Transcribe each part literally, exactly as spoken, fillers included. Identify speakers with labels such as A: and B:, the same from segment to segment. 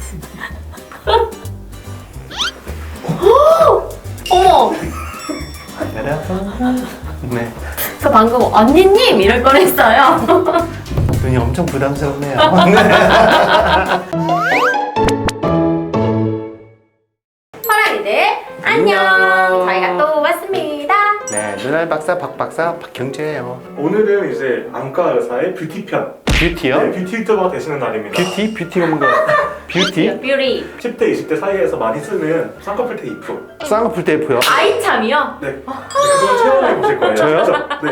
A: 어머!
B: 여러분. 네.
A: 저 방금 언니님 이럴 뻔했어요.
B: 눈이 엄청 부담스럽네요.
A: 파랑이들 안녕.
B: 안녕.
A: 저희가 또 왔습니다.
B: 네, 눈알 박사 박 박사 박경재예요.
C: 오늘은 이제 안과 의사의 뷰티 편.
B: 뷰티요?
C: 네, 뷰티 유튜버가 되시는 날입니다.
B: 뷰티? 뷰티가 뭔가 뷰티?
A: 뷰리.
C: 십 대, 이십 대 사이에서 많이 쓰는 쌍꺼풀 테이프.
B: 쌍꺼풀 테이프요?
A: 아이참이요?
C: 네. 그걸 체험해 보실 거예요.
B: 저요?
C: 그죠? 네.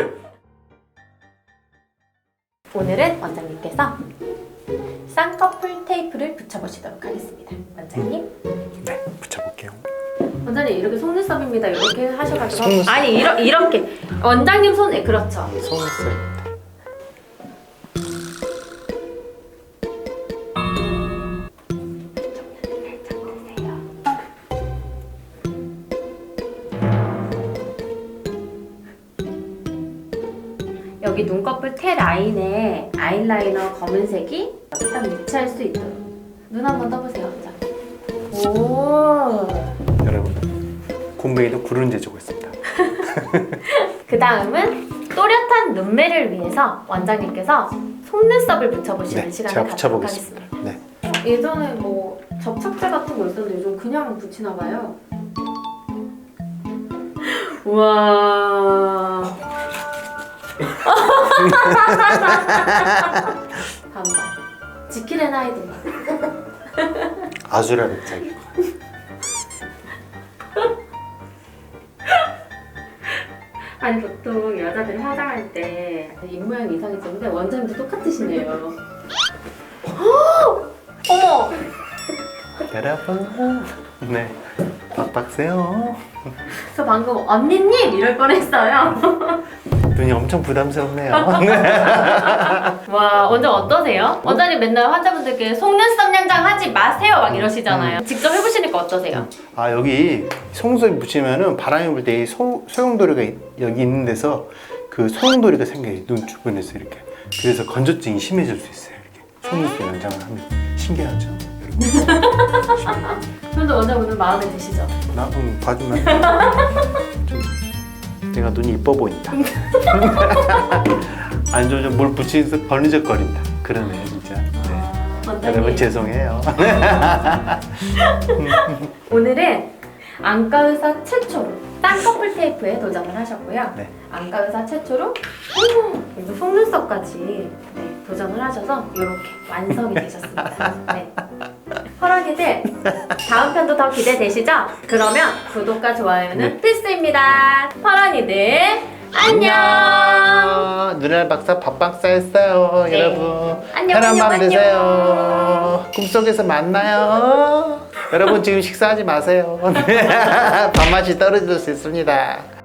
A: 오늘은 원장님께서 쌍꺼풀 테이프를 붙여보시도록 하겠습니다. 원장님.
B: 네, 붙여볼게요.
A: 원장님 이렇게 속눈썹입니다. 이렇게 하셔가지고
B: 속눈썹.
A: 아니 이러, 이렇게 원장님 손에 그렇죠.
B: 속눈썹.
A: 여기 눈꺼풀 테 라인에 아이라이너 검은색이 딱 위치할 수 있도록 눈 한번 떠보세요. 원장님. 오.
B: 여러분, 곰뱅이도 굴은 재주고 있습니다.
A: 그 다음은 또렷한 눈매를 위해서 원장님께서 속눈썹을 붙여보시는
B: 네,
A: 시간을
B: 제가
A: 갖도록
B: 붙여보겠습니다.
A: 하겠습니다.
B: 네.
A: 예전에 뭐 접착제 같은 거 있었는데 요즘 그냥 붙이나 봐요. 우와. 반반. 지킬앤 하이드.
B: 아수라 백작이고.
A: 아니 보통 여자들이 화장할 때 입모양 이상해졌는데 원장님도 똑같으시네요. 어머!
B: 여러분. 네. 박 박사요.
A: 저 방금 언니님 이럴 뻔했어요.
B: 눈이 엄청 부담스럽네요.
A: 와, 원장 어떠세요? 원장님 맨날 환자분들께 속눈썹 연장 하지 마세요 막 이러시잖아요. 직접 해보시니까 어떠세요?
B: 아, 여기 속눈썹 붙이면은 바람이 불 때 이 소용돌이가 여기 있는 데서 그 소용돌이가 생겨요. 눈 주변에서 이렇게. 그래서 건조증이 심해질 수 있어요. 이렇게 속눈썹 연장을 하면 신기하죠, 여러분.
A: 그런데 원장 오늘 마음에 드시죠?
B: 나 음, 봐주면 좀 내가 눈이 이뻐 보인다. 안 좋으면 뭘 붙이면서 버느적거린다. 그러네 진짜. 네.
A: 원장님
B: 여러분 죄송해요.
A: 오늘은 안과 의사 최초로 쌍꺼풀 테이프에 도전을 하셨고요.
B: 네.
A: 안과 의사 최초로 어머, 이거 속눈썹까지 네, 도전을 하셔서 이렇게 완성이 되셨습니다. 네. 허락이들 다음 편도 더 기대되시죠? 그러면 구독과 좋아요는
B: 네.
A: 필수입니다. 퍼런이들 안녕.
B: 눈알 박사 밥 박사였어요,
A: 네.
B: 여러분.
A: 안녕,
B: 편한 밤
A: 안녕,
B: 되세요. 꿈속에서 만나요. 여러분 지금 식사하지 마세요. 밥맛이 떨어질 수 있습니다.